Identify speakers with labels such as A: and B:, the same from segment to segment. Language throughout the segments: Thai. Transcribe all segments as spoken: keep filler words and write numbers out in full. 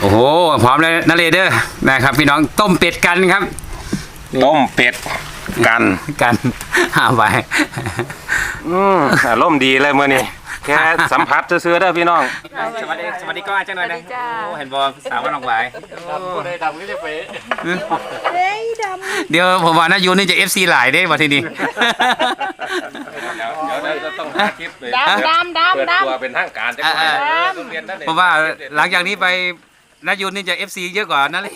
A: อ้โหพร้อมเลยนะเรเดอร์นะครับพี่น้องต้มเป็ดกันครับ
B: ต้มเป็ดกัน
A: กันหาไป
B: อืมอารมณ์ดีเลยเมื่อนี้แค่สัมผัสซื้อๆได้พี่น้อง
A: สวัสดีสวัสดีก็อาจารย์หน่อยนะเห็นบอลสาวก็ลงไป
B: คนใดดำก็จะไป
A: เดี๋ยวผมว่านะยูนี่จะเอฟซีหลายได้มาทีนี้
C: ดำดำดำดำ
B: ตัวเป็นทางการจะ
A: ผมว่าหลังจากนี้ไปนายูนี่จะเอฟซีเยอะกว่านั่นเลย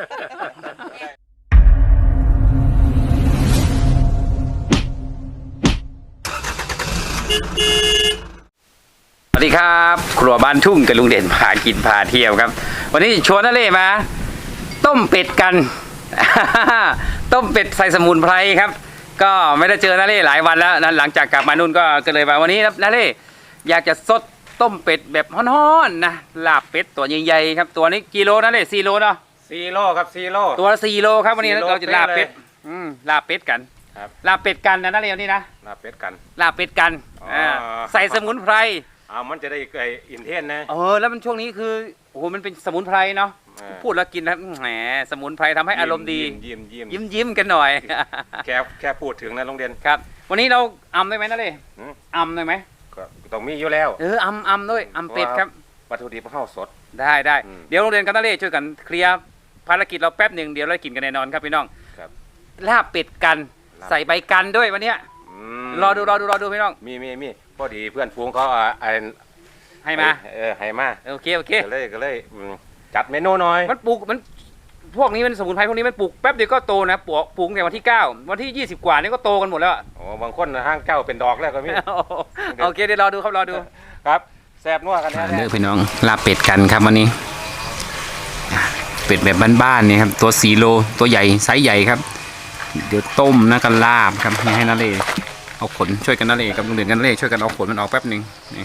A: สวัสดีครับครัวบ้านทุ่งกับลุงเด่นพากินพาเที่ยวครับวันนี้ชวนนาเล่มาต้มเป็ดกัน ต้มเป็ดใส่สมุนไพรครับก็ไม่ได้เจอนาเล่หลายวันแล้วนั้นหลังจากกลับมานู่นก็ก็เลยมาวันนี้นาเล่อยากจะสดต้มเป็ดแบบฮ้อนๆนะลาบเป็ดตัวใหญ่ๆครับตัวนี้กิโลนาเล่สี่โลเนาะ
B: สี่โลครับสี่โล
A: ตัวละสี่โลครับวันนี้เราจะลาบเป็ดอืมลาบเป็ดกันลาบเป็ดกันนะนาเล่วันนี้นะ
B: ลาบเป็ดกัน
A: ลาบเป็ดกันใส่สมุนไพร
B: อ่ามันจะได้ไออินเทนนะ
A: เออแล้วมันช่วงนี้คือโอ้โหมันเป็นสมุนไพรเนาะพูดแล้วกินนะแหมสมุนไพรทำให้อารมณ์ดี
B: ยิ้มยิ้ม
A: ยิ้มยิ้มกันหน่อย
B: แค่แค่พูดถึงนะโรงเรียน
A: ครับวันนี้เราอำได้ไหมนะเลยอำได้ไหม
B: ก็ต้องมีอยู่แล้ว
A: เอออำอำด้วยอำเป็ดครับ
B: วัตถุดิบข้าวสด
A: ได้ได้เดี๋ยวโรงเรียนกันนะเลยช่วยกันเคลียร์ภารกิจเราแป๊บหนึ่งเดี๋ยวเรากินกันแน่นอนครับพี่น้องลาบเป็ดกันใส่ใบกันด้วยวันนี้รอดูรอดูรอดูพี่น้อง
B: มีมีมีพอดีเพื่อนฟูงเขาอ่า
A: ให้มา
B: เออให้มา
A: โอเคโอเค
B: ก็เลยก็เลยจัดเมนูหน่อย
A: มันปลูกมันพวกนี้มันสมุนไพรพวกนี้มันปลูกแป๊บเดียวก็โตนะปลูกปลูกในวันที่เก้าวันที่ยี่สิบกว่านี่ก็โตกันหมดแล้ว
B: อ๋อบางคนห้างเก้าเป็นดอกแล้วก็มี
A: โอเคเดี๋ยวรอดูครับรอดู
B: ครับแซ่บนัวกันแน่
A: เด้อพี่น้องลาบเป็ดกันครับวันนี้เป็ดแบบบ้านๆนี่ครับตัวสี่โลตัวใหญ่ไซส์ใหญ่ครับเดี๋ยวต้มนะกันลาบครับให้นาเล่เอาขนช่วยกันนาเล่กับลุงเด่นกันนาเล่ช่วยกันเอาขนมันออกแป๊บหนึ่งนี่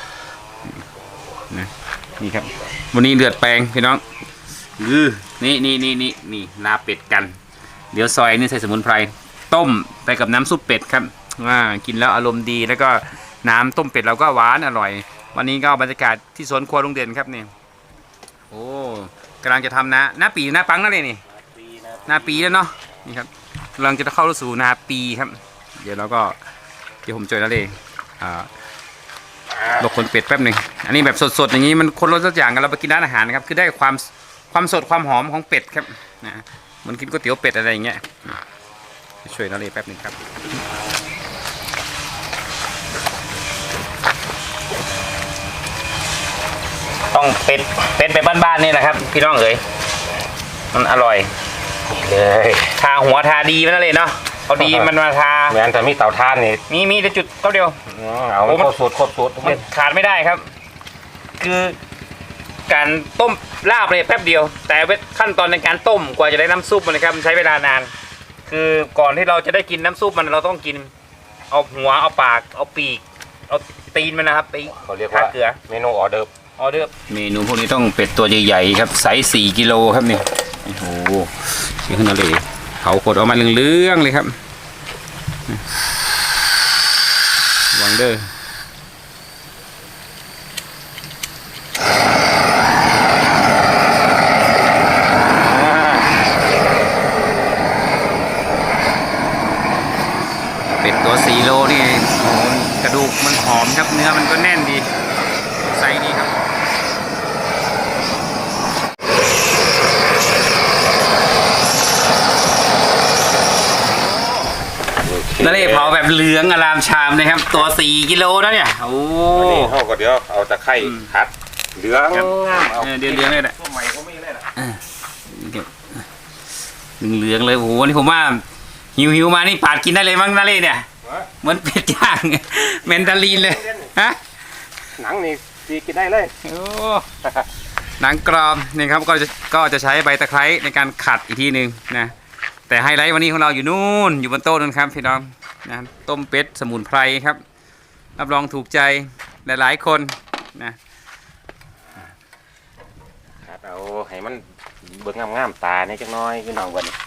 A: นะนี่ครับวันนี้เลือดแปลงพี่น้องอือนี่นี่นี่นี่นี่ลาเป็ดกันเดี๋ยวซอยนี่ใส่สมุนไพรต้มไปกับน้ำซุปเป็ดครับว่ากินแล้วอารมณ์ดีแล้วก็น้ำต้มเป็ดเราก็หวานอร่อยวันนี้ก็บรรยากาศที่สวนครัวลุงเด่นครับนี่โอ้กำลังจะทำนะหน้าปีหน้าปังนั่นเลยนี่หน้าปีแล้วเนาะนี่ครับกำลังจะเข้าสู่นาปีครับเดี๋ยวเราก็เดี๋ยวผมช่วยนาเล่อ่าลวกขนเป็ดแป๊บหนึ่งอันนี้แบบสดๆอย่างนี้มันคนรสสักอย่างกันเราไปกินร้านอาหารนะครับคือได้ความความสดความหอมของเป็ดครับนะเหมือนกินก๋วยเตี๋ยวเป็ดอะไรอย่างเงี้ยช่วยนาเล่แป๊บหนึ่งครับต้องเป็ดเป็ดแบบบ้านๆนี่แหละครับพี่น้องเอ๋ยมันอร่อยเลยทาหัวทาดีมันเลยเนาะเอาดีมันมาทา
B: เหมือนแต่มีเตาถ่านนี่
A: มีมีแต่จุดเท่าเดียว
B: เอาครบสูตรครบสูตร
A: มันขาดไม่ได้ครับคือการต้มลาบเลยแป๊บเดียวแต่ขั้นตอนในการต้มกว่าจะได้น้ำซุปมันนะครับใช้เวลานานคือก่อนที่เราจะได้กินน้ำซุปมันเราต้องกินเอาหัวเอาปากเอาปีกเอาตีนมันนะครับไป
B: เขาเรียกว่าเมนูออเดิร์ฟ
A: ออเดิร์ฟเมนูพวกนี้ต้องเป็ดตัวใหญ่ๆครับไซส์สี่กิโลครับนี่โอ้โหเชื่อขนาดเลยเขากดออกมาเรื่องๆเลยครับวางเด้อเป็ดตัวสี่โลนี่กระดูกมันหอมครับเนื้อมันก็แน่นดีไซส์ดีครับนั่นเลยเผาแบบเหลืองอลามชามเลยครับตัวสี่กิโลนะเนี่ยโอ้
B: นี่เขาก็เดี๋ยวเอาตะไคร้ทัดเหลือง
A: เอาเดือดเหลืองเลยแหละ
B: ตัวใหม่ก็ไม่เลยนะ
A: เหลืองเลยโอ้โหนี่ผมว่าหิวหิวมานี่ปาดกินได้เลยมั้งนั่นเลยเนี่ยเหมือนเป็ดย่างเมนดาลีนเลยฮะ
B: หนังนี่ตีกินได้เลย
A: โอ้หนังกรอบนี่ครับก็จะก็จะใช้ใบตะไคร้ในการขัดอีกทีหนึ่งนะแต่ไฮไลท์วันนี้ของเราอยู่นู่นอยู่บนโต๊ะนั่นครับพี่น้องนะต้มเป็ดสมุนไพรครับรับรองถูกใจหลายๆคนนะ
B: เอาให้มันเบิ่งงามๆตาเนี่ยจังน้อยพี่น้องวันนี้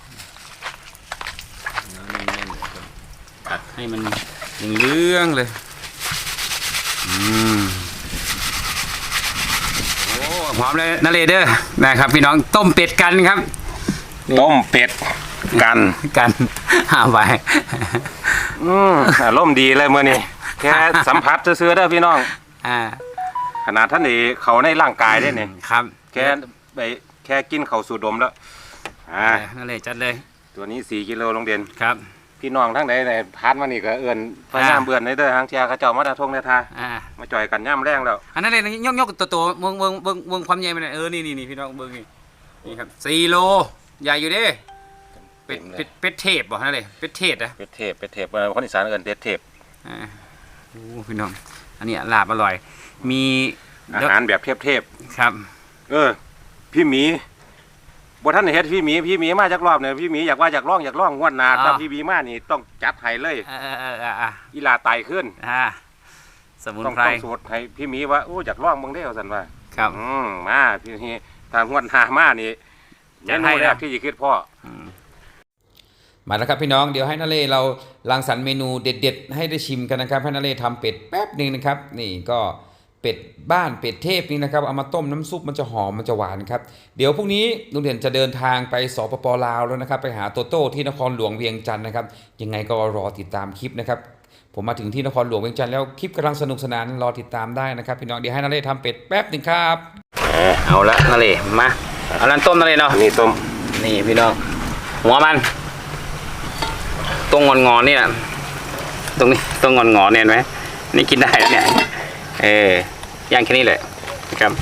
A: ตัดให้มันเหลืองเลยอืมโอ้พร้อมเลยนาเลเดอร์นะครับพี่น้องต้มเป็ดกันครับ
B: ต้มเป็ดกัน
A: กันหาไป
B: อืมอารมณ์ดีเลยเมื่อนี้แค่สัมผัสซื้อๆเด้อพี่น้อง
A: อ่า
B: ขนาดท่านนี่เขาในร่างกายได้เนี่ย
A: ครับ
B: แค่ไปแค่กินเขาสูดดมแล้วอ่า
A: นาเลจัดเลย
B: ตัวนี้สี่กิโลลงเด่น
A: ครับ
B: พี่น้องทั้งไหนไหนพานมานี่ก็เอื่นพยายามเบื่อนในเด้อทางเชียร์เขาเจ้ามาดาทงในทา
A: อ่า
B: มาจ่อยกันย่ำแรงแล้ว
A: อันนั้นเลยยกยกตัวตัวเบิ่งเบิ่งเบิ่งเบิ่งความใหญ่มันเออนี่นี่นี่พี่น้องเบิ่งนี่นี่ครับสี่โลใหญ่อยู่เด้เป็ดเป็ดเป็ดเทพบ่นั่นเลยเป็ดเทศอะ
B: เป็ดเทพเป็ดเทพเออคนอีสานเอินเป็ดเทพ
A: อ่าโอ้พี่น้องอันนี้ลาบอร่อย มี
B: อาหารแบบเทพเทพ
A: ครับ
B: เออ พี่หมีบ่ท่านได้เฮ็ดพี่หมีพี่หมีมาจากรอบเนี่ยพี่หมีอยากว่าอยากร้องอยากร้องงวดหน้าถ้าพี่หมีมานี่ต้องจัดให้เลย
A: เออเออเอออ่ะ
B: อีลาไตขึ้น
A: อ่าสมุน
B: ต้อง
A: ไพร
B: ต้องสูตรให้พี่หมีว่าโอ้อยากร้องเบิ่งเด้อซั่นว่า
A: ครับ
B: อืมมาพี่นี่ถ้างวดหน้ามานี่
A: จั
B: เม
A: ดให้
B: นู
A: นะ
B: แรกที่สิคิดพ่อ
D: มาแล้วครับพี่น้องเดี๋ยวให้นาเล่เรารังสรรค์เมนูเด็ดๆให้ได้ชิมกันนะครับให้นาเล่ทำเป็ดแป๊บหนึ่งนะครับนี่ก็เป็ดบ้านเป็ดเทพนี่นะครับเอามาต้มน้ำซุปมันจะหอมมันจะหวานครับเดี๋ยวพรุ่งนี้ลุงเด่นจะเดินทางไปสปปลาวแล้วนะครับไปหาโตโต้ที่นครหลวงเวียงจันทร์นะครับยังไงก็รอติดตามคลิปนะครับผมมาถึงที่นครหลวงเวียงจันทร์แล้วคลิปกำลังสนุกสนานรอติดตามได้นะครับพี่น้องเดี๋ยวให้นาเล่ทำเป็ดแป๊บหนึ่งครับ
A: เอาละนาเลมาเอาลันต้มนาเลเนาะ
B: นี่ต้ม
A: นี่พี่น้องหัวมันตรงงอนงอนๆนี่นะตรงนี้ตรงงอนงอนๆเนี่ยเห็นไหมนี่กินได้แล้วเนี่ยเออย่างแค่นี้เลยครับ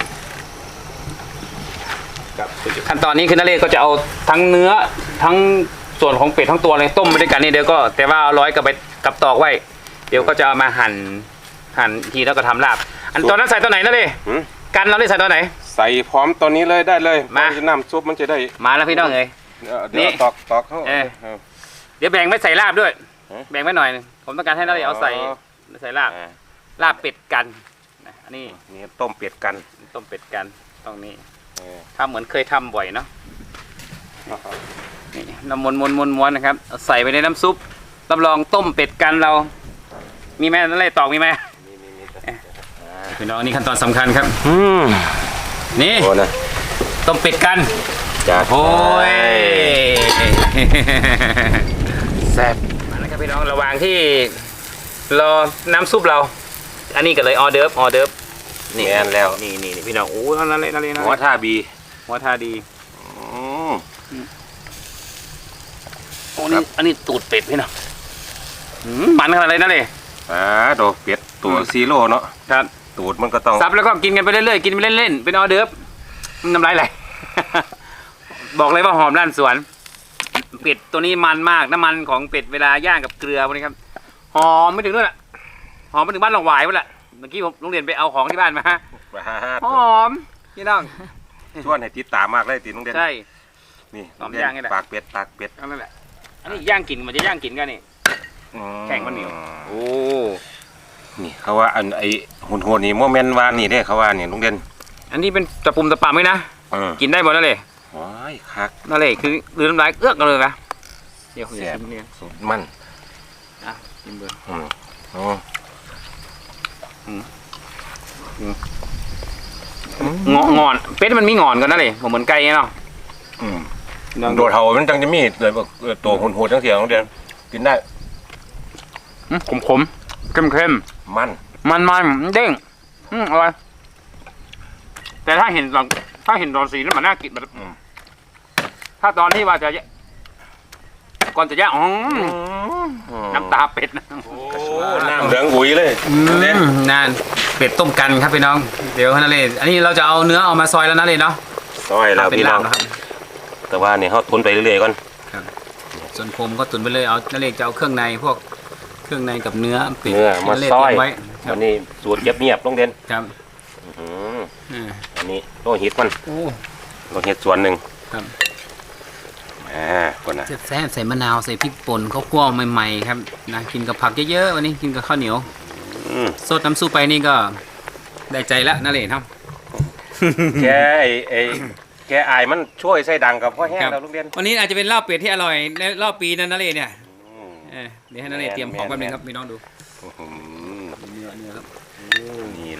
A: ขั้นตอนนี้คือนาเลก็จะเอาทั้งเนื้อทั้งส่วนของเป็ดทั้งตัวเลยต้มไปด้วยกันนี่เดี๋ยวก็แต่ว่าเอาร้อยกับไปกับตอกไว้ เดี๋ยวก็จะเอามาหั่นหั่นทีแล้วก็ทำลาบอันตอนนั้นใส่ตัวไหนนาเล
B: หืม
A: กันเราได้ใส่ตัวไหน
B: ใส่พร้อมตัวนี้เลยได้เลย
A: มา
B: น้ำซุปมันจะได้
A: มาแล้วพี่น้องเลย
B: เออเดี๋ยวตอกตอกเข้า
A: เออ
B: เออ
A: เดี๋ยวแบ่งไว้ใส่ลาบด้วย
B: ฮะ
A: แบ่งไว้หน่อยหนึ่งผมต้องการให้นาเลเอาใส่
B: อ๋อ
A: ใส่ลาบ
B: อ่า
A: ลาบเป็ดกันนะอันนี้
B: นี่ต้มเป็ดกัน
A: ต้มเป็ดกันตรงนี้
B: เออ
A: ทำเหมือนเคยทำบ่อยเนาะนี่น้ำมนมนมนม้วนนะครับเอาใส่ไปในน้ำซุปรับรองต้มเป็ดกันเรา มีไหมนั่นเลยตอกมีไหมพี่น้องนี่ขั้นตอนสำคัญครับ
B: อืม
A: นี่
B: โอ้นะ
A: ต้มเป็ดกัน
B: จ้า
A: โอ้ย
B: แซ่บ
A: มาแล้วครับพี่น้องระหว่างที่รอน้ำซุปเรา อันนี้ก็เลยออเดิร์ฟออเดิร์ฟ
B: นี่แอนแล้ว
A: นี่นี่นี่พี่น้องโอ้ยนั่นเลยนั่นเลยนั่น
B: หัว
A: เลย
B: ท่าบี
A: หัวทาดี
B: อืม
A: โอ้นี่อันนี้ตูดเป็ดพี่น้องหืมมันขนาดเลยนั่นเลย
B: อ่าโดเป็ดตัวซีโร่เนาะ
A: ครับ
B: ตูดมันก็ต้อง
A: ซับแล้วก็กินกันไปเรื่อยๆกินไปเล่นๆเป็นออเดิร์ฟน้ำลายไหล บอกเลยว่าหอมด้านสวน เป็ดตัวนี้มันมากน้ำมันของเป็ดเวลาย่างกับเกลือพวกนี้ครับหอมไม่ถึงด้วยล่ะหอมไปถึงบ้านหลงหวายหมดละเมื่อกี้ผมโรงเรียนไปเอาของที่บ้านมา หอมพี่น้อง
B: ชวนให้ติดตามมากเลยติดน้องเด่น
A: ใช่
B: นี่
A: หอมย่างนี่แหละ
B: ปากเป็ดปากเป็ด
A: นั่นแหละอันนี้ย่างกินมันจะย่างกินกันนี่
B: อืม
A: แข็งมันเหนียวโอ้
B: นี่เขาว่าอันไอหุ่นหัวนี่โมเมนต์วานนี่เด้เขาว่านี่ลุงเด่น
A: อันนี้เป็นตะปุ่มตะปามไหมนะ
B: เออ
A: กินได้หมดนั่นเลย
B: ว้ายคัก
A: นั่นเลยคือลืมน้ำลายเอื้อกกันเลยนะเดี๋ยว
B: แซ่บ
A: ชิมเนี่ย
B: สุดมัน
A: อ่ะชิมเบอร์
B: อืมอ๋อ
A: งองอนเป็ดมันมีงอนกันนั่นเลยผมเหมือนไก่เนาะ
B: อืมโดดเห่ามันจังจะมีเลยบอกเออตัวหุ่นหัวจังเสียน้องเด่นกินได้
A: ขมขมเข้มเข้ม
B: มัน
A: มันมันๆเด้งอืมอร่อยแต่ถ้าเห็นตอนถ้าเห็นตอนสีแล้วมันน่ากินแบบถ้าตอนที่ว่าจะก่อนจะย่างอ๋อน้ำตาเป็ดนะ
B: โอ้น้ำเหลืองหุยเลยเด่น
A: นั่นเป็ดต้มกันครับพี่น้องเดี๋ยวนั่นเลยอันนี้เราจะเอาเนื้อเอามาซอยแล้วนะเลยเนาะ
B: ซอยแล้ว
A: ทำเป็น
B: พี่น้
A: ลา
B: อบ ง
A: นะครับ
B: แต่ว่านี่เขาทุนไปเรื่อยๆก่อน
A: ส่วนผมก็ตุนไปเลยเอานั่นเลยจะเอาเครื่องในพวกเครื่องในกับเนื้อเป็ด
B: เนื้อมา
A: นั่นเลย
B: ซอย
A: เตรียมไว้ครับ
B: วันนี้สูตรเงียบๆน้องเด่น
A: ครับ
B: อื้อหือ
A: อ่า
B: อันนี้โลหิตมัน
A: โอ้
B: โลหิตส่วนหนึ่ง
A: ครับ
B: อ่าคนน่ะ
A: แซ่บๆใส่มะนาวใส่พริกป่นข้าวคั่วใหม่ๆครับนะกินกับผักเยอะๆวันนี้กินกับข้าวเหนียว
B: อืม
A: สดน้ำซุปไปนี่ก็ได้ใจละนั่นเลยครับ
B: แกไอ้ไอ้แกอายมันช่วยใส่ดังกับพ่อแห้ง
A: ครับ
B: แล้วลูกเรียน
A: วันนี้อาจจะเป็นลาบเป็ดที่อร่อยในรอบปีนั้นนั่นเลยเนี่ย
B: อืม
A: เออเดี๋ยวให้นั่นเลยเตรียมของแป๊บนึงครับพี่น้องดู
B: อื้อหือ
A: เนื้อเนื้อครับ
B: นี่เล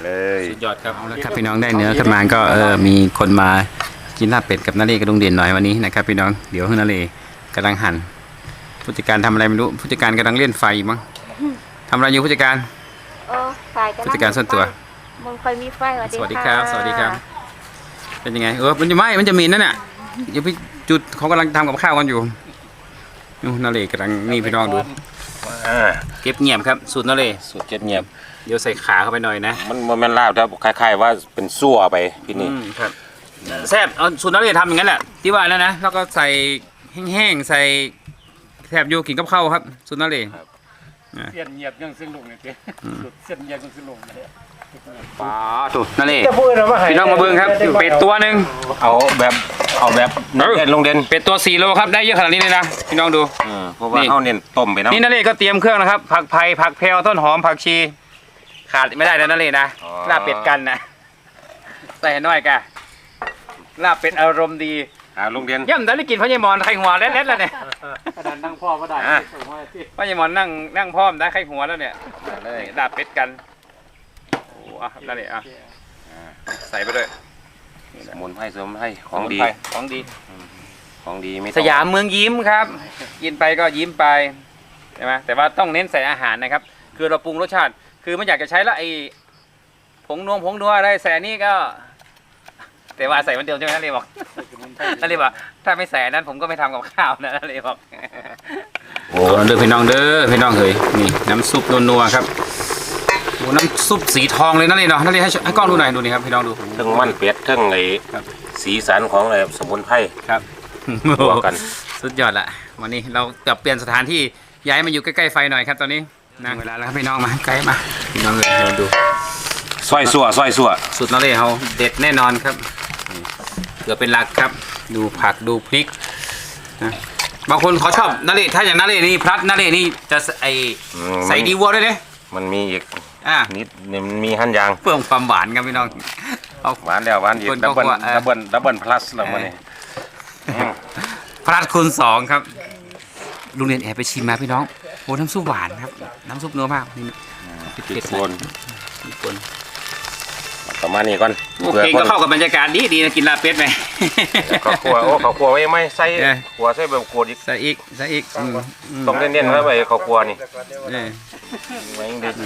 B: เลย
A: สุดยอดครับเอาละครับพี่น้องได้เนื้อขึ้นมาก็เออมีคนมากินลาบเป็ดกับนาเรศกับลุงเด่นหน่อยวันนี้นะครับพี่น้องเดี๋ยวนาเรศกำลังหั่นผู้จัดการทำอะไรไม่รู้ผู้จัดการกำลังเล่นไฟมั้งทำอะไรอยู่ผู้จัดการ
E: เออไฟก็
A: ผู้จัดการส่วนตัว
E: มันคอยมีไฟสวัสดี
A: สวัสดีครับสวัสดีครับ เป็นยังไงเออมันจะไหมมันจะมีนั่นน่ะเดี๋ยวพี่จุดเขากำลังทำกับข้าวกันอยู่นู่นนาเรศกำลังนี่พี่น้องดู
B: อ่า
A: เก็บเงียบครับสูตรนาเรศ
B: สูตรเจ็ดเงียบ
A: เดี๋ยวใส่ขาเข้าไปหน่อยนะ
B: มันมันแม่นลาบครับคล้ายๆว่าเป็นซั่วไปพี่นี่
A: อืมครับแซ่บเอาสูตรนาเรศทำอย่างนั้นแหละที่ว่าแล้วนะแล้วก็ใส่แห้งๆใส่แทบอยู่กินกับข้าวครับสูตรนาเรศ
C: เสียนเงียบยังซึ่งลงเนี่ยเสียนเงียบยังซึ่งลงเนี่ย
A: ปลาสูตรนาเรศพี่น้องมาเบิ่งครับเป็ดตัวหนึ่ง
B: เอาแบบเอาแบบเด่นลงเด่น
A: เป็ดตัวสี่โลครับได้เยอะขนาดนี้เลยนะพี่น้องดู
B: เออเพราะว่าเขาเน้นต้มไปน้ำ
A: นี่นาเรศก็เตรียมเครื่องนะครับผักไผ่ผักแพรวต้นหอมผักชี ขาดไม่ได้นะนาเรศนะลาบเป็ดกันนะใส่น้อยกะลาบเป็ดอารมณ์ดี
B: อ่าลงเด่น
A: ย่ำได้กินพระยายมอนไข่หัวเล็ดๆแล้วเนี่ย
C: ขนาดนั่งพ่อก็ได้
B: อ่ะ
C: ส่งมาที่
A: พระยายมอนนั่งนั่งพร้อมได้ไข่หัวแล้วเนี่ย
B: เลย
A: ลาบเป็ดกันโอ้อ่ะนาเรศอ่ะใส่ไปด้วย
B: สมุนไพรสมุนไพรของดี
A: ของดี
B: ของดีไม่ต้อง
A: สยามเมืองยิ้มครับ กินไปก็ยิ้มไปใช่ไหมแต่ว่าต้องเน้นใส่อาหารนะครับ คือเราปรุงรสชาติ คือไม่อยากจะใช้ละไอ้ผงนวมผงนัวอะไรใส่อันนี่ก็ แต่ว่าใส่วันเดียวใช่ไหมนั่นเลยบอกนั่นเลยบอกถ้าไม่ใส่อันนั้นผมก็ไม่ทำกับข้าวนะนั่นเลยบอกโอ้เด้อพี่น้องเด้อพี่น้องเฮ้ยนี่น้ำซุปนัวๆครับโอ้น้ำซุปสีทองเลยนั่นเลยเนาะนั่นเลยให้ให้กล้องดูหน่อยดูนี่ครับพี่น้องดู
B: เทั้งมันเป็ดเทั้งไอ้
A: ครับ
B: สีสันของไอ้สมุนไพร
A: ครับ
B: บวกกัน
A: สุดยอดละวันนี้เราจะเปลี่ยนสถานที่ย้ายมาอยู่ใกล้ๆไฟหน่อยครับตอนนี้นะเวลาแล้วครับพี่น้องมาใกล้มาพี่น้องเลยเราดู
B: ซอยสัวซอยสัว
A: สุดนาเรศเขาเด็ดแน่นอนครับนี่เกลือเป็นหลักครับ ดูผักดูพริกนะบางคนเขาชอบนาเรศถ้าอย่างนาเรศนี่พลัดนาเรศนี่จะไอ
B: อืม
A: ใส่ดีวัวด้วยเนี่ย
B: มันมีอีก
A: อ่า
B: นิดเนี่ยมันมีหั่นยาง
A: เพิ่มความหวานครับพี่น้องเอา
B: หวานแล้วหวานอีก
A: คนก็
B: ดับเบิล
A: ว่าเออ
B: ดับเบิลดับเบิลพลัสแล้วมันนี่
A: พลัดคูณสองครับลุงเรียนแอบไปชิมมาพี่น้องโอ้น้ำซุปหวานครับน้ำซุปเนื้อมากนี่
B: พริก
A: เผ็ดๆ
B: ป่น
A: มีคน
B: ประมาณนี้ก่อน
A: โอเคก็เข้ากับบรรยากาศดีดีนะกินลาบเป็ดไหม
B: ข้าวคั่วโอ้ข้าวคั่วไว้ไม่ใส่
A: เออ
B: ขัวใส่แบบกวดอีก
A: ใส่อีกใส่อีกอืมม
B: ต้องเน้นๆไว้ไปข้าวคั่วนี่
A: เออ
B: ไว้ยังดี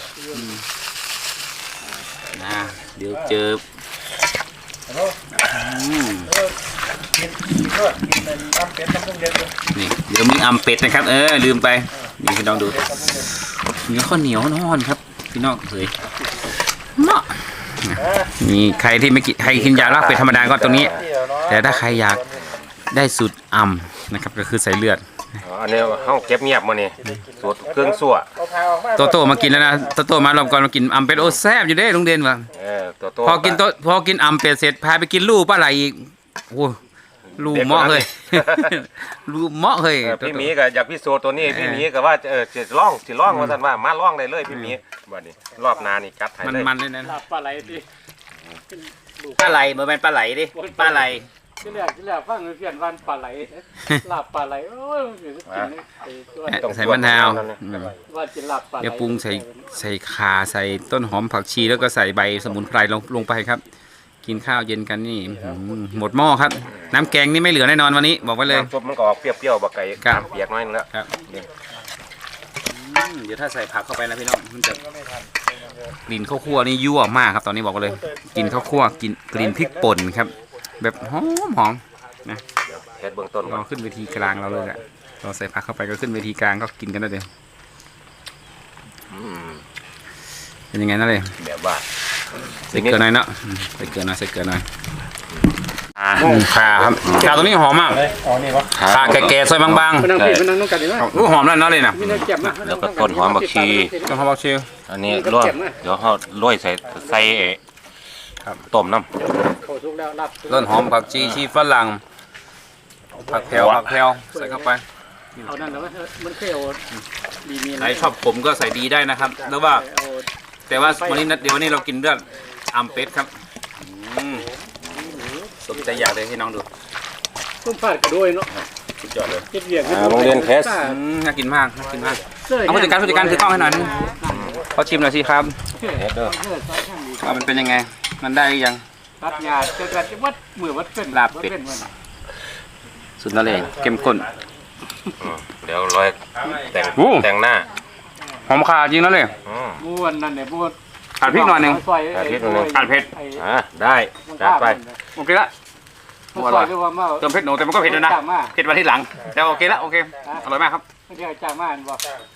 A: นะเดี๋ยวเจออืมนี่เดี๋ยวมีอัมเป็ดนะครับ เออลืมไปนี่พี่น้องดูเนื้อข้าวเหนียวนอนครับพี่น้องเฮ้ยเนาะนี่ใครที่ไม่กินใครกินยาลาบเป็ดธรรมดาก็ตรงนี้ แต่ถ้าใครอยากได้สูตรอัมนะครับก็คือใส่เลือด
B: อ๋ออันนี้เฮาเก็บเงียบมื้อนี้สูตรเครื่องสั่ว
A: โตโต้มากินแล้วนะโตโต้มารอบก่อนมากินอัมเป็ดโอ้แซ่บอยู่เด้ลุงเด่นว่ะ
B: เออตัวโต
A: พอกินโตพอกินอัมเป็ดเสร็จพาไปกินลูกปลาไหลอีกโอ้ลูกเหมาะเลย ลูกเหมาะเลย
B: เออพี่หมีก็อยากพิสูจน์ตัวนี้พี่หมีก็ว่าเออสิลองสิลองว่าซั่นว่ามาลองได้เลยพี่หมีบัดนี้รอบหน้านี่จัดให้
A: มัน
B: เลย
A: มันเลยนะ
C: ลาบปลาไหลที่
A: ปลาไหลเหมือนเป็นปลาไหลดิปลาไหล
C: ที่แรกที่แรกฟังเพื่อนวันปลาไหลลาบปลาไหลโอ้ยมันกินไอ้ตัว
B: ต้อง
A: ใส่มะนาวอืม
C: ว่ากินลาบปลาไหล
A: เดี๋ยวปรุงใส่ใส่ข่าใส่ต้นหอมผักชีแล้วก็ใส่ใบสมุนไพรลงลงไปครับ กินข้าวเย็นกันนี่อืมหมดหม้อครับ น้ำแกงนี่ไม่เหลือแน่นอนวันนี้บอกไว้เลย
B: น้ำซุปมันก็ออกเปรี้ยวๆบักไก่
A: ครับ
B: น้ำเปียกน้อยนึงแล้ว
A: ครับอืมเดี๋ยวถ้าใส่ผักเข้าไปนะพี่น้องมันจะกลิ่นข้าวคั่วนี่ยั่วมากครับตอนนี้บอกเลยกลิ่นข้าวคั่วกลิ่นกลิ่นพริกป่นครับ แบบหอมหอมนะ
B: เฮ็ดเบื้องต้นก่อ
A: เรา
B: น
A: ขึ้นเวทีกลางเราเลยแหละเราใส่ผักเข้าไปก็ขึ้นเวทีกลางก็กินกันได้เลย
B: อืม
A: เป็นยังไงนั่นเลย
B: แบบว่า
A: ใส่เกลือหน่อยเนาะอืมใส่เกลือหน่อยใส่เกลือหน่อย
B: อ่า
A: อืมข่าครับข่าตัวนี้หอมมาก
C: อ๋อนี่วะ
A: ข่าแก่ๆซอยบาง
C: มันนั่งผิดมันนั่งต้องกันดีไหม
A: ๆอู้หอมแล้วเนาะเลยนะ
C: มีเนื้อเก็บนะ
B: แล้วก็ต้นหอมบักชี
A: ต้องหอมบักชี
B: อันนี้ลวกเดี๋ยวเขาโรยใส่ใส่ต้มน้ำ
C: โคทุกแล้วลาบ
A: ต้นหอมผักชีชีฝรั่งผักแพรวผักแพรวใส่เข้าไป
C: เอานั่นแล้วมันเคยเอาดีมี
A: ใครชอบผมก็ใส่ดีได้นะครับแล้วว่า
C: เอา
A: แต่ว่าวันนี้นะเดี๋ยววันนี้เรากินเลือดอัมเป็ดครับอืมสมใจอยากเลยให้น้องดู
C: ต้มผัดกระด้วยเนาะ
A: สุดยอดเลย
C: เก็บเหวี่ยง
B: อ่าโรงเรียนเทส
A: อืมน่ากินมากน่ากินมากเอาผู้จัดการผู้จัดการถือกล้องให้หน่อยนึงเขาชิมหน่อยสิครับ
B: เฮ็ดเด้อ
C: เออซอยข้างนี้
A: ว่ามันเป็นยังไง มันได้หรือยัง
C: ตัดหญ้าจะจะวัดมือวัดเป็น
A: ลาบเป็ด
C: วัมัน
A: สุดนั่นเลยเข้มข้น
B: อืมเดี๋ยวร้อยแต่ง
A: โอ้
B: แต่งหน้า
A: หอมขาจริงนั่นเลย
B: อืม
C: ม้วนนั่นเนี่ยม้วน
A: ขาดพริกหน่อยหนึ่ง
C: ซอย
B: ขาดพริกหน่อยหนึ่ง
A: ขาดเผ็ด
C: ไอ้
B: อ่ะได้จัดไป
A: โอเคละ
C: มันซอยด้วยว่ามา
A: เติมเผ็ดหนูแต่มันก็เผ็ดแล้วนะ
C: จ้างมา
A: เผ็ดมาที่หลังแต่โอเคละโอเคอร่อยมากครับ
C: ไม่ได้จ้างมาอันบอก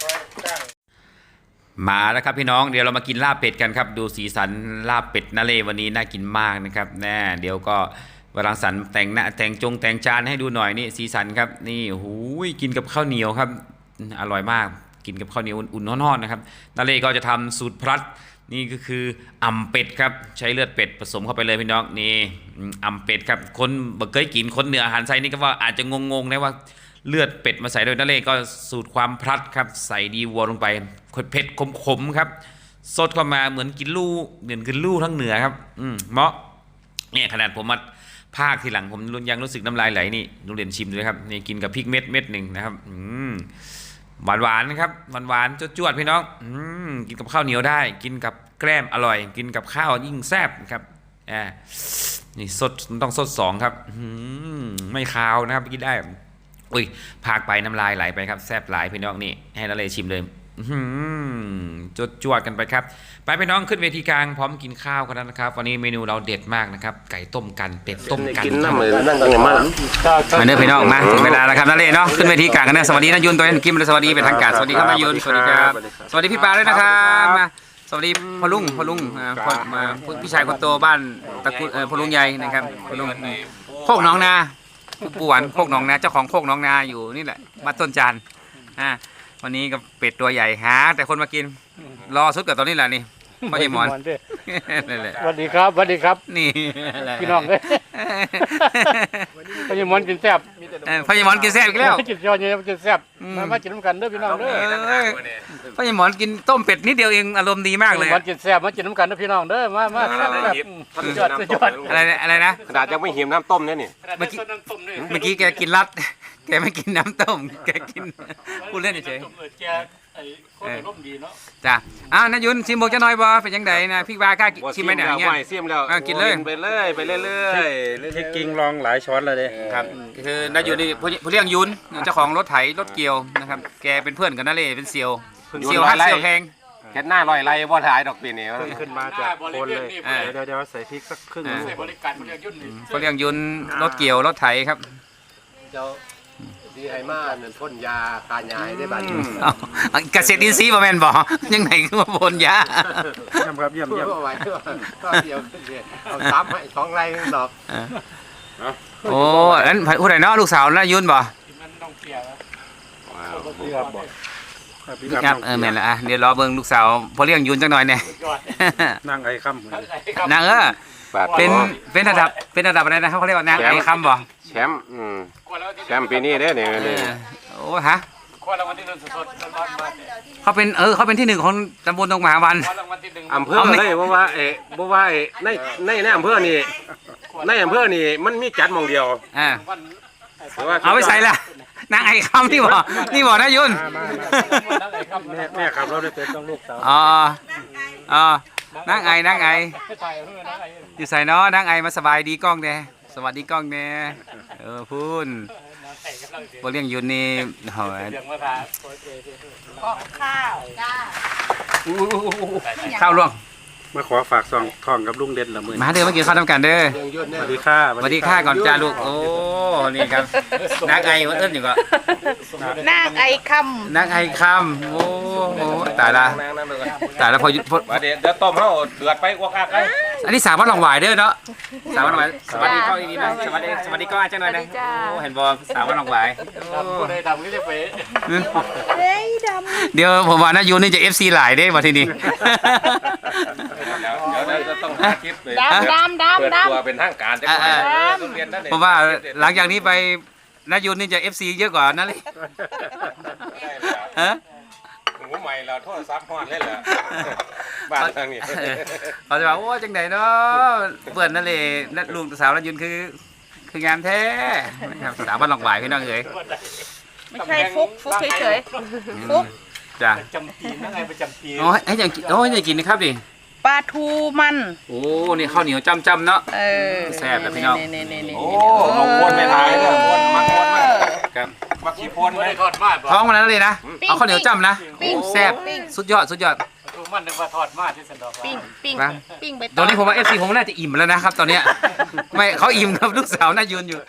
D: มาแล้วครับพี่น้องเดี๋ยวเรามากินลาบเป็ดกันครับดูสีสันลาบเป็ดนาเลวันนี้น่ากินมากนะครับแน่เดี๋ยวก็วรังสรรค์แต่งหน้าแต่งจงแต่งจานให้ดูหน่อยนี่สีสันครับนี่หูยกินกับข้าวเหนียวครับอร่อยมากกินกับข้าวเหนียวอุ่นๆร้อนๆนะครับนาเลก็จะทำสูตรพลัดนี่ก็คืออ่ำเป็ดครับใช้เลือดเป็ดผสมเข้าไปเลยพี่น้องนี่อ่ำเป็ดครับคนบ่เคยกินคนเหนืออาหารไทยนี่ก็ว่าอาจจะงงๆนะว่าเลือดเป็ดมาใส่โดยนาเลก็สูตรความพลัดครับใส่ดีวัวลงไปเผ็ดขมๆครับสดเข้ามาเหมือนกินลู่เหมือนกินลู่ทั้งเหนือครับอืมเหมาะเนี่ยขนาดผมมาภาคทีหลังผมยังรู้สึกน้ำลายไหลนี่นุเรียนชิมด้วยครับนี่กินกับพริกเม็ดเม็ดหนึ่งนะครับอืมหวานหวานนะครับหวานหวานจวดๆพี่น้องอืมกินกับข้าวเหนียวได้กินกับแกล้มอร่อย กินกับข้าวยิ่งแซ่บครับอ่านี่สดต้องสดสองครับอืมไม่คาวนะครับกินได้อุ้ยพากไปน้ำลายไหลไปครับแซ่บหลายพี่น้องนี่ให้นาเลชิมเลยจดจวดกันไปครับไปพี่น้องขึ้นเวทีกลางพร้อมกินข้าวกันแล้วนะครับวันนี้เมนูเราเด็ดมากนะครับไก่ต้มกันเป็ดต้มกัน
B: กินน้ำมือนั่งกันอย่างมาก
A: มาเนื้อพี่น้องมาถึงเวลาแล้วครับนาเล่เนาะขึ้นเวทีกลางกันนะสวัสดีนายุนตัวเองกิมสวัสดีเป็นทางการสวัสดีครับนายุนสวัสดีครับสวัสดีพี่ปาด้วยนะครับมาสวัสดีพ่อลุงพ่อลุงอ่าพ่อมาพี่ชายคนโตบ้านตระกูลเอ่อพ่อลุงใหญ่นะครับพ่อลุงโคกหนองนาปู่หวานโคกหนองนาเจ้าของโคกหนองนาอยู่นี่แหละบ้านต้นจานอ่าวันนี้ก็เป็ดตัวใหญ่หาแต่คนมากินรอสุดกับตอนนี้แหละนี่พ่อใหญ่หมอนนั่นแหละ
C: สวัสดีครับสวัสดีครับ
A: นี่
C: พี่น้องเลยพญามอนกินแซ่บ
A: เออพ่อใหญ่หมอนกินแซ่บอีกแล้ว
C: กินยอดเนี่ยกินแซ่บ
A: อืม
C: มามากินน้ำกันเด้อพี่น้องเด้อ
A: เอ้ยพ่อใหญ่หมอนกินต้มเป็ดนิดเดียวเองอารมณ์ดีมากเลย
C: มันกินแซ่บมากินน้ำกันเด้อพี่น้องเด้อมามาแซ่บแบบสุดยอดสุดยอด
A: อะไรนะอะไรนะ
B: ขนาดยังไม่หิมน้ำต้มเนี่ยนี่
A: เมื่อกี้ เมื่อกี้แกกินรัด แกไม่กินน้ำต้ม แกกินพูดเล่นเฉย
C: แกไอ้โคตรร่มดีเนาะ
A: ๆจ้ะอ้าวนายุนชิมบอกจะน้อยบ่เป็นยังไงนะพี่วากล้าชิมไหมเนี่ยอย่างเงี้ย
B: ไม่เสียมแล้ว
A: อ่ะกินเลย
B: ไปเลยไปเรื่อยๆเรื่อยๆ
C: ที่กิงลองหลายช้อนเลยเด้
A: ครับคือนายุนนี่ผู้ผู้เลี้ยงยุนเจ้าของรถไถรถเกี่ยวนะครับแกเป็นเพื่อนกับนาเล่เป็นเซียวเซียวฮักเซียวแพง
B: แค่หน้าลอยไรบ่ถ่ายดอกปีนี้
C: ขึ้นมาจากโคนเลย
A: เออ
C: เดี๋ยวเดี๋ยวใส่พริกสักครึ่ง
A: อ่า
C: ใส่บริการบริการยุ่นนี่
A: ผู้เลี้ยงยุนรถเกี่ยวรถไถครับ
F: เจ้าดีไฮมาเนี่ยพ่นยาคายาให้ได้บัดนี้
A: เอาเอาเกษตรอินทรีย์บ่แม่นบ่ยังไงคือมาพ่นยา
C: เยี่ยมครับเยี่ยม
F: เพื่
C: เยี่ยม
F: อเอาไว้ก็เดียวขึ้นเลยเอาซ้ำให้สองไร่ดอก
A: โอ้อันผู้ใดเนาะลูกสาวนายุนบ่
C: มันต้องเกลี่ย
F: พี่ครับบอก
A: ครับเออแม่นละอ่ะเดี๋ยวรอเบิ่งลูกสาวพอเลี้ยงยุนจักหน่อยแน่
C: ยอด
F: นั่งไอ้ค่
A: นางเออเป็นเป็นระดับเป็นระดับอะไรนะครับเขาเรียกว่านางไอ้คำบ่
B: แชมป์อืมแชมป์ปีนี้เด้อเนี่ย
A: เอ
B: นี่
A: อโอ้ฮะ
C: คว้ารางวัลที่หนึ่งสดๆร้อนๆมาเนี่ย
A: เขาเป็นเออเขาเป็นที่หนึ่งของตำบลตรงมหาวัน
C: คว้ารางวัลที่หนึ่ง
B: อำเภอเลยเพราะว่าเอ๊ะเพราะว่าเอ๊ะในในในอำเภอนี่ในอำเภอนี่มันมีจัดหมองเดียว
A: อ่า
C: วัน
B: แต่ว่า
A: เอาไปใส่ละนางไอ้คำนี่บ่นี่บ่นะยุน
F: ำแม่แม่ขับรถได้เป็นต้องลูกสาว
A: อ๋ออ๋อนางไอ้นางไอ้
C: ถ่ายเพื่อนนะไอ้
A: อยู่ใส่เนาะนางไอ้มาสบายดีกล้องแน่สวัสดีกล้องแน่เออพูนพอเลี้ยงยุนนี่โหย
C: เสียงมาถ่าย
A: ข้าวล่วง
F: มาขอฝากซองทองกับลุงเด่นละมือ
A: มาเด้อมากินข้าวทำกันเด้อ
F: สวัสดีค่ะ
A: สวัสดีค่ะก่อนจ้าลูก โอ้ นี่ครับนางไอมันเอิ้นอยู่ก็
E: นางไอค
A: นางไอคำโอ้โหตายละ
B: นั่งนั่งเลย
A: ตายละพอยุพอ
B: ว่าเดี๋ยวเดี๋ยวต้มเขาเดือดไปกว่าคักเลย
A: อันนี้สาวบ้านหลองหวายเด้อเนาะสาวบ้านหลองหวายสวัสดีก้องดีๆนะสวัสดีสวัสดีก้องอาจารย์หน่อยนะโอ้เห็นบอสาวบ้านหลองหวายโอ้
C: คนใดดำก็จะไป
E: ำเฮ้ยด
A: เดี๋ยวผมว่านายูนี่จะ เอฟ ซี หลายเด้มาทีนี้
B: เดี๋ยวเดี๋ยวจะต้องหาคลิปเลย
E: ำดำดำ
B: เปิด
E: ดำ
B: ตัว
E: ด
B: เป็นทางการจะ
A: อ่าอ่า
B: ต้องเรียนนั่นเอง
A: ผมว่าหลังจากนี้ไปนายูนี่จะ เอฟ ซี เยอะกว่านั่นเลยฮะ
B: หูใหม่เราโทษซับฮอดเลยเหรอบ้านทางนี้
A: เออเขาจะบอกว่าจังไหนเนาะเปิดนั่นเลยนั่นลุงสาวนายุนคือ คืองามแท้นะครับสาวบ้านหลองหวายพี่น้องเอ๋ย
E: ไม่ใช่ฟุกฟุกเฉยๆฟุก
A: จ้ะ
C: จำปีนั่งไงประจำปี
A: โอ้ยให้ยังกินโอ้ยให้กินนะครับดิ
E: ปลาทูมัน
A: โอ้นี่ข้าวเหนียวจ้ำๆเนาะ
E: เออ
A: แซ่บนะพี่น้อง
E: นี่นี่นี่
B: โอ้เอาวนไม่ทายเนี่ยวนมาวนมา
A: ครับ
B: มาขี้พน
C: ไม่
B: ไหม
C: ได้ทอดมาบ่
A: ท้องมันนั้นเลยนะเอาข้าวเหนียวจ้ำนะ
E: ปิ้ง
A: แซ่บ
E: ปิ้ง
A: สุดยอดสุดยอด
C: ดูมันนึกว่าทอดมาที่สันดอก
E: ปิ้งปิ้ง
A: นะ
E: ปิ้งไป
A: ตอนนี้ผมว่าเอฟซีผมน่าจะอิ่มแล้วนะครับ ตอนเนี้ยไม่เขาอิ่มครับลูกสาวน่ายืนอยู่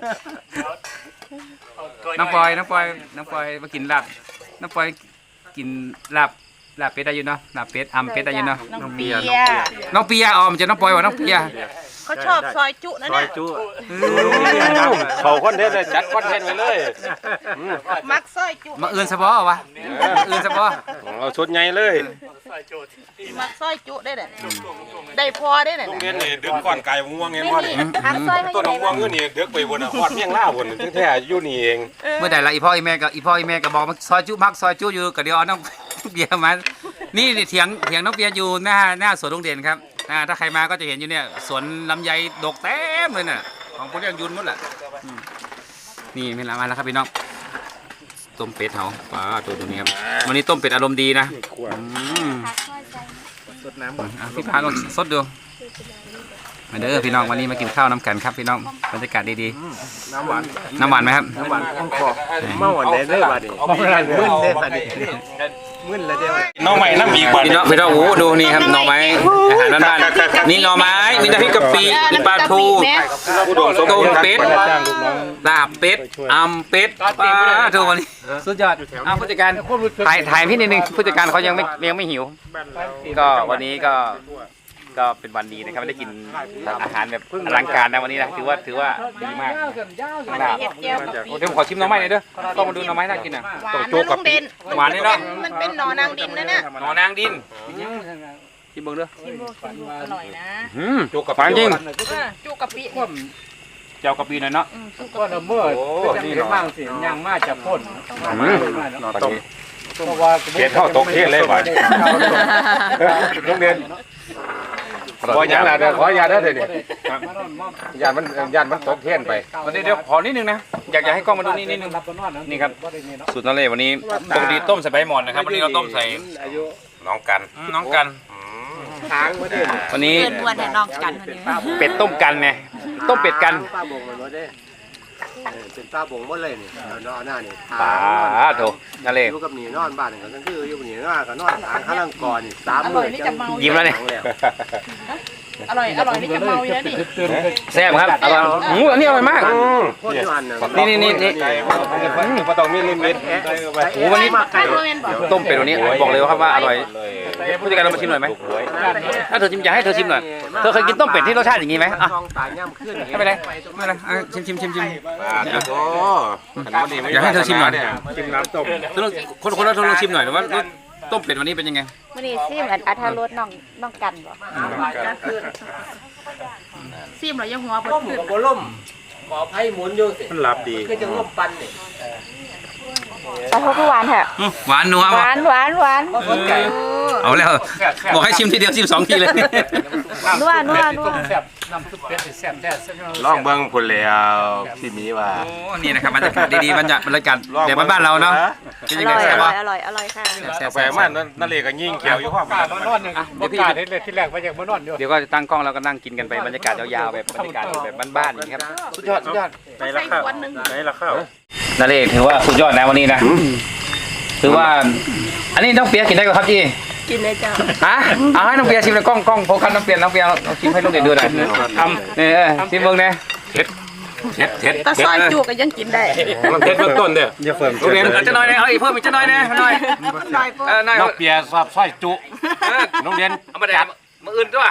A: น้องปอยน้องปอยน้องปอยมากินลาบน้องปอยกินลาบลาบเป็ดได้อยู่เนาะลาบเป็ดอำเป็ดได้อยู่เนาะ
E: น้องเปีย
A: น้องเปียอ๋อมันจะน้องปอยว่าน้องเปีย
E: เขาชอบซอยจุนะ
B: ซอ
E: เนี่ย ย
B: จุเขาคอนเทนต์เลยจัดคอนเทนต์ไปเลย
E: มักซอยจุ
A: มาเอื่นสะบอวะมาเอื่นสะบอ
B: เอาชุดใหญ่เลย
E: มักซอยจุได้เลยได้พอได้เลย
B: โรงเรียนนี่ดึกก่อนไก่ม่วงเงี้ย
E: นี่
B: พ่อ
E: นี่
B: นี่
E: หักซอยให้
B: ต้น
E: ได้
B: ม่วงอยู่นี่ดึกไปบนหอดเมี่ยงล่าบนแท้ๆอยู่นี่เอง
A: เมื่อใดละอีพ่ออีแม่กับอีพ่ออีแม่ก็บอกมาซอยจุมักซอยจุอยู่กับเดี๋ยวเอาน้องเบียร์มานี่เถียงเถียงน้องเบียร์อยู่หน้าหน้าสวนโรงเรียนครับอ่าถ้าใครมาก็จะเห็นอยู่เนี่ยสวนลำไยดกเต็มเลยน่ะของพวกเรียกยุนหมดแหละอืมนี่เป็นละมาแล้วครับพี่น้องต้มเป็ดเขาว้าตัวตัวนี้ครับวันนี้ต้มเป็ดอารมณ์ดีนะอืมสดน้ำพี่พาลองสดดูมาเด้อพี่น้องวันนี้มากินข้าวน้ำกันครับพี่น้องบรรยากาศดีๆน้ำหวานน้ำหวานไหมครับ
F: น้ำหวานข้องคอเมื่อวันไหนได้บัดนี้มึนได้บัดนี้มึนแล้วเด้อ
B: น้องใหม่น้ำอีกบ่
A: พี่น้องพี่น้องโอ้ดูนี่ครับหน่อไม้อาหารบ้านๆนี่หน่อไม้มีน้ำพริกกะปิมีปลาทู
B: ผู้โดมสม
A: ต้ม
B: บูรณ์
A: เป็ด
B: จ้างลูกน้อง
A: ลาบเป็ดอำเป็ดปลาทูวันนี้สุดยอดอ้าวผู้จัดการถ่ายถ่ายพี่นิดนึงผู้จัดการเขายังไม่ยังไม่หิว ก็วันนี้ก็ก็เป็นวันดีนะครับไม่ได้กินอาหารแบบอลังการนะวันนี้นะถือว่าถือว่าดีมากลาบ
E: เห็ดเจียวกับปี
A: เดี๋ยวผมขอชิมหน่อไม้หน่อยเด้อก็มาดูหน่อไม้น่ากินอ่ะ
E: หวานนะลุงเด่น
A: หวานนี่เนาะ
E: มันเป็นหนอนางดินนะเนี่ย
A: หน่อนางดินชิมเบิ่งเด้อ
E: ชิมดูชิมดูอร่อยนะ
A: อืมจุกกับปลาจริง
E: จุกกะปิ
A: เจ้ากะปิหน่อยเนาะ
E: อืมจุก
C: ก็
E: กะปิ
C: ละเมื่อนี่มั่งสิยังมาจะพ่น
B: นอนต้ม
C: เพราะว่า
B: เฮ็ดเท่าตกเทศเลยบ่โรงเรียนขออย่างละเด้อขออย่าเด้อเดี๋ยวนี้ญาติมันญาติมันตกเทศไป
A: วันนี้เดี๋ยวขอนิดนึงนะอยากอยากให้กล้องมาดูนี่นิดนึงนี่ครับสูตรนั่นเลยวันนี้ปกติต้มใส่ใบหมอนนะครับวันนี้เราต้มใส่
B: น้องกัน
A: อืมน้องกัน
F: ค้างมาดิ
A: วันนี้
E: เพื่อนวันแต่น้องกันคนนี้
A: เป็ดต้มกันไงต้มเป็ดกัน
F: ป้าบงมันบ่ได้เป็นป้าบงหมดเลยนี่นอนหน้านี่
A: ปลาโถนั่นเลย
F: อยู่กับหนีนอนบ้านก็คืออยู่หนีนอนก็นอนทางข้างล่างก่อนนี่สาม
E: อ
F: มื้
E: ร่
F: อ
E: อยนี่จะเมา
A: ยิ้มแล้วเนี่ย
E: อร่อยอร่อยนี่จะเมาอยู่แล้วนี่
A: แซ่บครับอร่อยหูอันนี้อร่อยมาก
F: คนอยู่อันน่ะ
A: นี่นี่นี่นี่
B: บ่ต้องมีลิมิต
A: โอ้วันนี้
E: ใครรู้เมนบอก
A: ต้มเป็ดวันนี้บอกเลยครับว่าอร่อยผู้จัดการเรามาชิมหน่อยไหมถ้าเธอชิมอยากให้เธอชิมหน่อยเธอเคยกินต้มเป็ดที่รสชาติอย่างนี้ไหมอ่ะ
F: ท้องตายย่ำขึ้น
A: ไม่เป็นไรไม่เป็นไรอ่ะชิมชิมชิมชิม
B: โอ้
A: อยากให้เธอชิมหน่อย
B: ชิมน้ำต้ม
A: คนคนละเธอลองชิมหน่อยว่ารสต้มเป็ดวันนี้เป็นยังไง
G: มื่อนี้ซิมอันอัธรสน้องน้องกันบ่
E: ซีมเหรอยังหัวเปิด
F: ต้มกับบ่ล่มขอไผ่หมุนอยู่สิ
B: มันหลับดี
F: คือจังล่มปันนี่
G: ปลาทูคือหวานแท้
A: อื้อหวานนัว
G: ห
A: ว่ะ
G: วานหวานหวาน
A: เอาแล้วบอกให้ชิมทีเดียวชิมสองทีเลย
G: นัวนัวนัว
C: แซ่บน้ำซุปเป็ดแซ่บแท้
B: ลองเบิ่งพุ่นแล้วพี่มีว่า
A: โอ้นี่นะครับบรรยากาศดีๆบรรยากาศบรรยากาศแบบบ้านๆเราเนาะเป็น
G: อ
A: ยังไง
G: ร่อย
A: แซ่
G: อบ ร่
A: ป่ะ
G: อยอร่อยอร่อยค่ะ
A: แซ่บ
B: แป
A: แซ่
B: ล
A: บ
B: มันนั่นเลยก็ยิ่งเขียวอยู่ความ
C: กาดมานอนยังบ่กาดเฮ็ดเลยที่แรกว่าอยากมานอนอยู่
A: เดี๋ยวก็จะตั้งกล้องแล้วก็นั่งกินกันไปบรรยากาศยาวๆแบบบรรยากาศแบบบ้านๆอย่างนี้ครับสุดยอดสุดยอด
B: ไหนละข้าวไหนละข้าว
A: นั่นเองถือว่าสุดยอดนะวันนี้นะถือว่า อันนี้น้องเปียกินได้ก็ครับจี
E: กินเลยจ้า
A: ฮะเอาให้น้องเปียชิมเลยกล้องกล้องโฟกัสน้องเปียน้องเปียเอาชิมให้ลูกเด็กดูหน่อยทำเนี่ยชิมเบิ้งเนี่ยเท็ดเท็ดเท็ด
E: แต่ซอยจุก็ยังกินได้
B: มันเท็ดเบื้องต้นเด้อ
F: อย่าเฟิ่ม
A: ลูกเรียนจะน้อยเนี่ยเอาอีกเพิ่มอีกจะน้อยเนี่ยน้อย
E: หน่อยปุ๊บ
A: เออน้อย
B: น้องเปียสอบสร้อยจุโรงเรียน
A: เอามาแดดมืออื่นด้วย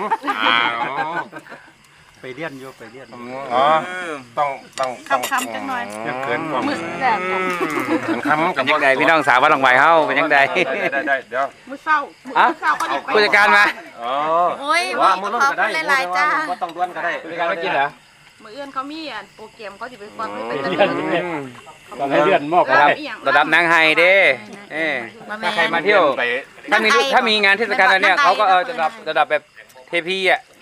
F: ไปเรียนอยู่ไปเรียน
B: อ๋อต้องต้องต้อง
E: คำๆจังหน่อย
B: เกินความ
E: มือแซ่บ
B: คำ
A: เป็นยังไงพี่น้องสาววัดหลงไหวเฮาเป็นยังไง
B: ได้ได้เดี๋ยว
E: มือเศร้ามือเศร้าก็ยังไป
A: ผู้จัดการมา
B: อ๋อ
E: โอ้ย
B: ว่า
E: ข
B: มือ
E: อ
B: ล้น
E: บ
B: ก็ได้
E: คุณหลายๆจ้า
B: ว่าต้องด้วนก็ได้
A: ผู้จัดการมากินเหรอ
E: มือเอื้อนเขามีอันโปรแกรมเขาจะไปฟังไป
C: เรียนต้องให้เรียนมอก
A: ระดับ
E: อีหยัง
A: ระดับนางไฮเด้เออถ้าใครมาเที่ยว ถ้ามีถ้ามีงานเทศกาลอะไรเนี่ยเขาก็เออระดับระดับแบบเทพีอ่ะ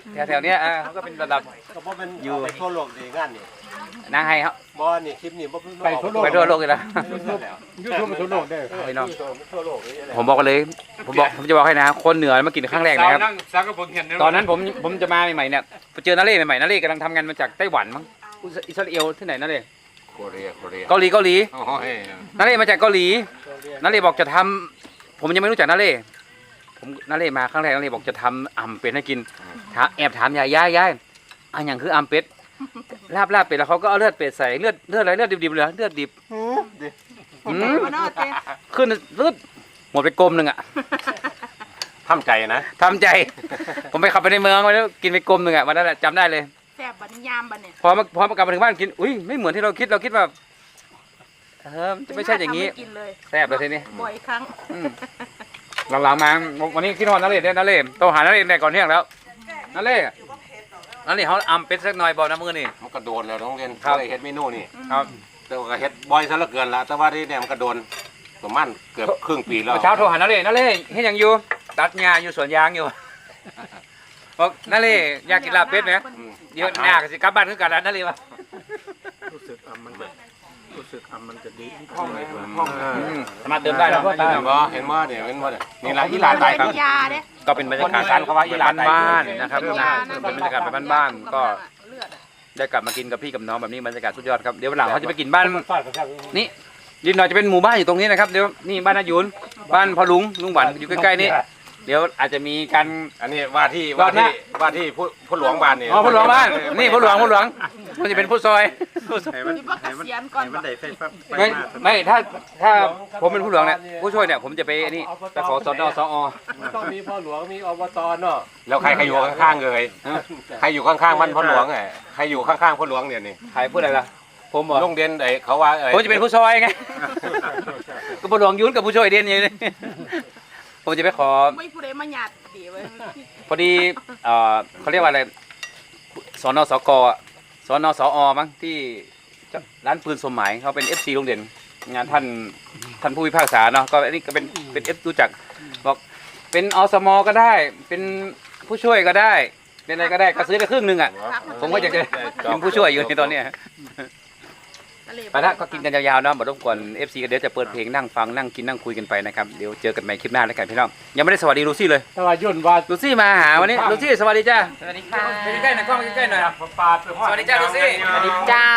A: แถวๆเนี้ยอ่าเขาก็เป็นระดับ
F: ก็บ่เป็นอยู่ไปทั่วโลกดีงานนี่
A: นางไฮครับ
F: บ่นี่คลิปนี้บ่เพิ่ง
C: ไปทั่วโลก
A: ไปทั่วโลกเลยนะ
C: ยูทูบมันทั่วโลกได้
A: พี่น้อง
F: ทั่วโลกนี่แหละ
A: ผมบอกกันเลยผมบอกผมจะบอกให้นะคนเหนือมากินครั้งแรกนะครับ
C: นั่งซักกับผมเห็น
A: ตอนนั้นผมผมจะมาใหม่ๆเนี่ยไปเจอนาเล่ใหม่ๆนาเล่กำลังทำงานมาจากไต้หวันมั้งอิสราเอลที่ไหนนาเล่
B: โคเรียโคเรีย
A: เกาหลีเกาหลี
B: โอ้ย
A: นาเล่มาจากเกาหลีนาเล่บอกจะทำผมยังไม่รู้จักนาเล่ผมนาเล่มาครั้งแรกนาเล่บอกจะทำอ่ำเป็ดให้กินถามแอบถามยายยายยายอันอย่างคืออ่ำเป็ดลาบลาบเป็ดแล้วเขาก็เอาเลือดเป็ดใส่เลือดเลือดอะไรเลือดดิบๆเลยเลือดดิบอืม
E: บ่เนาะเต้
A: ขึ้นเลือดหมดไปกลมหนึ่งอะ
B: ทำใจนะ
A: ทำใจ ผมไปขับไปในเมืองมาแล้วกินไปกลมหนึ่งอะวันนั้นแหละจำได้เลย
E: แซ่บบัดนี้ยามบัดเนี่ย
A: พอมาพอมากลับมาถึงบ้านกินอุ้ยไม่เหมือนที่เราคิดเราคิดว่าเออมันจะไม่ใช่อย่างนี้
E: นี้กินเลย
A: แซ่บเลยทีนี้
E: บ่อยครั้ง
A: อืมหลังๆมาวันนี้คิดนอนนั่นเลยเนี่ยนั่นเลยโตหานั่นเลยในก่อนเที่ยงแล้วนั่นเลยนั่นเลยเขาอำเป็ดสักหน่อยบอกน้ำมือนี่
B: มันกระโดนแล้วน้องเรียน
A: ครับ
B: เคยเฮ็ดเมนูนี่
A: ครับ
B: แต่ว่าก็เฮ็ดบ่อยซะเหลือเกินละแต่ว่าที่เนี่ยมันกระโดนประมาณเกือบครึ่งปีแล้ว
A: เมื่อเช้าโทรหานั่นเลยนั่นเลยเฮ็ดหยังอยู่ตัดหญ้าอยู่สวนยางอยู่บอกนั่นเลยอยากกินลาบเป็ดไหม
B: อืม
A: เดี๋ยวหน้าก็สิกลับบ้านคือกันแล้วนั่นเลยวะ
F: รู้สึกอ่ะมันรู้สึกอ่ะมันจะดี
A: อืมสามารถเติมได้นะ
B: เห็นบ่เห็นบ่เนี่ยเห็นบ่เนี่ยนี่ละอีหลานตายครับ
E: ยาเด้
A: ก็เป็นบรรยากาศการเขาว่าอีหลานบ้านๆนะครับนะเป็นบรรยากาศแบบบ้านๆก็
E: เลือดอะ
A: ได้กลับมากินกับพี่กับน้องแบบนี้บรรยากาศสุดยอดครับเดี๋ยววันหลังเขาจะไปกินบ้าน
C: ฟาดกระชับ
A: นี่ดินหน่อยจะเป็นหมู่บ้านอยู่ตรงนี้นะครับเดี๋ยวนี่บ้านนายุนบ้านพ่อลุงลุงหวันอยู่ใกล้ๆนี่เดี๋ยวอาจจะมีการ
B: อันนี้ว่าที่ว่าที่ว่าที่ผู้ผู้หลวงบ้านนี่
A: อ๋อพ่อหลวงบ้านนี่พ่อหลวงพ่อหลวงมันจะเป็นผู้ซอยผู้ซอย
F: ให้มัน
E: นี่บ่เกษียณก่อน
F: ให้มันได้ไฟฟ้าไป
A: ไม่
F: มา
A: ไม่ถ้าถ้าผมเป็นผู้หลวงเนี่ยผู้ช่วยเนี่ยผมจะไปไอ้นี่ไปขอสอดอสอ
C: ต้องมีพ่อหลวงมีอบตเนาะ
B: แล้วใครใครอยู่ข้างๆเลยใครอยู่ข้างๆบ้านพ่อหลวงไงใครอยู่ข้างๆพ่อหลวงเนี่ยนี่
A: ใครพูดอะไรล่ะผมบอก
B: โรงเรียนไอ้เขาว่าไอ้
A: ผมจะเป็นผู้ซอยไงก็ผู้หลวงยุนกับผู้ช่วยเด่นอย่างนี้ผมจะไปขอ
E: ไม่ผู้ใดมาหยาดดีเว้ย
A: พอดีเอ่อเขาเรียกว่าอะไรสนสกอะสนสอมั้งที่ร้านปืนสมหมายเขาเป็น เอฟ ซี โรงเรียนงานท่านท่านผู้พิพากษาเนาะก็อันนี้ก็เป็นเป็นเอฟรู้จักบอกเป็นอสมก็ได้เป็นผู้ช่วยก็ได้เป็นอะไรก็ได้ก็ซื้อไปครึ่งหนึ่งอ่ะผมก็อยากจะเป็นผู้ช่วยอยู่ในตอนเนี้ยไปละก็กินกันยาวๆเนาะบ่รบกวน เอฟ ซี ก็เดี๋ยวจะเปิดเพลงนั่งฟังนั่งกินนั่งคุยกันไปนะครับเดี๋ยวเจอกันใหม่คลิปหน้าแล้วกันพี่น้องยังไม่ได้สวัสดีลูซี่เลย
C: แต่ว่ายุ่นว่า
A: ลูซี่มาหาวันนี้ลูซี่สวัสดีจ้าสวัสดีค่ะใกล้ๆหน่อยกล้องใกล้ๆหน่อย
C: ปาดไป
A: สวัสดีจ้าลูซี่สวัสดี
G: เจ้า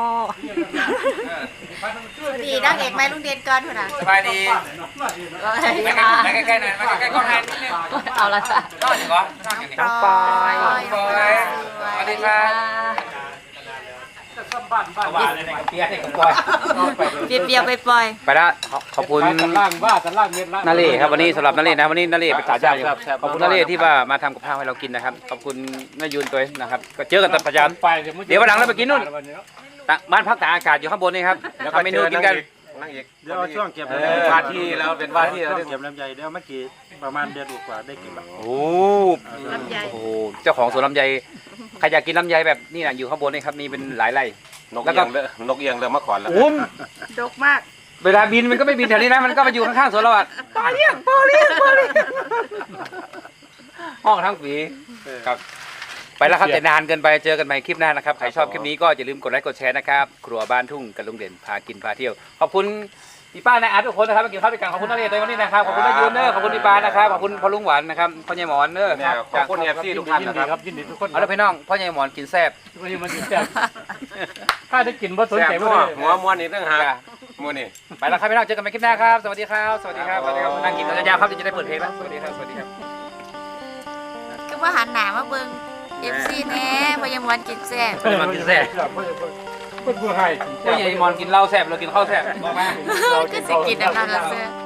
G: ดีนักเอกไหมลุงเด่นก่อนพุ่นน่ะ
A: สบายดีมาใกล้ๆหน่อยมาใกล้ๆกล้องแทนนิดนึง
G: เอาละจ้ะ
A: นอนอยู่เหรอนอนอยู่นี่
G: ปอย
A: ปอยสวัสดีครับ
C: บ้านบ้าน
A: ว่าเลยกับเปียให้กับปอย
G: เปียเปียไปปล่อย
A: ไปละขอบคุณ
C: กันล่างบ้ากันล่างเม็ดละ
A: นาเล่ครับวันนี้สำหรับนาเล่นะวันนี้นาเล่เป็นสาวเจ้าอยู่ขอบคุณนาเล่ที่ว่ามาทำกับข้าวให้เรากินนะครับขอบคุณแม่ยูนตัวนะครับก็เจอกันตอนประจำ
C: ไป
A: เดี๋ยววันหลังเราไปกินนู่น บ้านพักตากอากาศอยู่ข้างบนนี่ครับ
B: แล้ว
A: ทำเมนูกินกัน
B: นั่งอีก
F: เดี๋ยวเอาช่วงเก็บ
B: เออว่าที่เราเป็นว่าที่เรา
F: เก็บลำไยเดี๋ยวเมื่อกี้ประมาณเดือนกว่าได้กินแบบ
A: โอ้
E: ลำไย
A: โหเจ้าของสวนลำไยใครอยากกินลำไยแบบนี่นะอยู่ข้างบนนี่ครับนี่เป็นหลายไร่
B: นกเอียงเลยนกเอียงเลยมาขอนแล้ว
A: โอ้ม
E: ดกมาก
A: เวลาบินมันก็ไม่บินแถวนี้นะมันก็มาอยู่ข้างๆสวนเราอ่ะปลาเลี้ยงปลาเลี้ยงปลาเลี้ยงห้องทั้งปีครับไปแล้วครับแต่นานเกินไปเจอกันใหม่คลิปหน้านะครับใครชอบคลิปนี้ก็อย่าลืมกดไลค์กดแชร์นะครับครัวบ้านทุ่งกับลุงเด่นพากินพาเที่ยวขอบคุณพี่ป้านายอาร์ตทุกคนนะครับมากินข้าวด้วยกันขอบคุณนักเรียนในวันนี้นะครับขอบคุณนายยูนเนอร์ขอบคุณพี่ปานะครับขอบคุณพ่อลุงหวานนะครับพ่อใหญ่หมอนเนอร์
B: เนี่ยขอบคุณเอฟซีทุกท่าน
C: ยิน
B: นะ
C: ดี
B: ค
C: ค
B: รั
C: รับ บยินดีทุกคน
A: เอาละพี่น้องพ่อใหญ่หมอนกินแซ่บ
C: วันนี้มันแซ่บถ้าได้กินว่าสน
B: แซ่บ
C: ใจ
B: หั
C: บ่
B: ว
C: ได้
B: หัวม้วนนี่ตั้งหากม้วนนี่
A: ไปแล้วครับพี่น้องเจอกันใหม่คลิปหน้าครับสวัสดีครับสวัสดีครับสวัสดีครับนั่งกินกันยาวๆครับเดี๋ยวจะได้เปิดเพลงแล้วสวัสดีครับสวัสดีครับ
G: ก็ว่าหันหน้ามาเบิ่ง เอฟ ซี แน่บ่ยังมวนกินแซ่บ
A: พ่อใหญ่หมอนกินแซ่บ
C: เพิ่นผู้ให้
A: พ่อใหญ่หมอนกินเหล้าแซ่บเรากินข้าวแซ่บบอกมา
G: ก็สิกินอันนั้นล่ะเสื้อ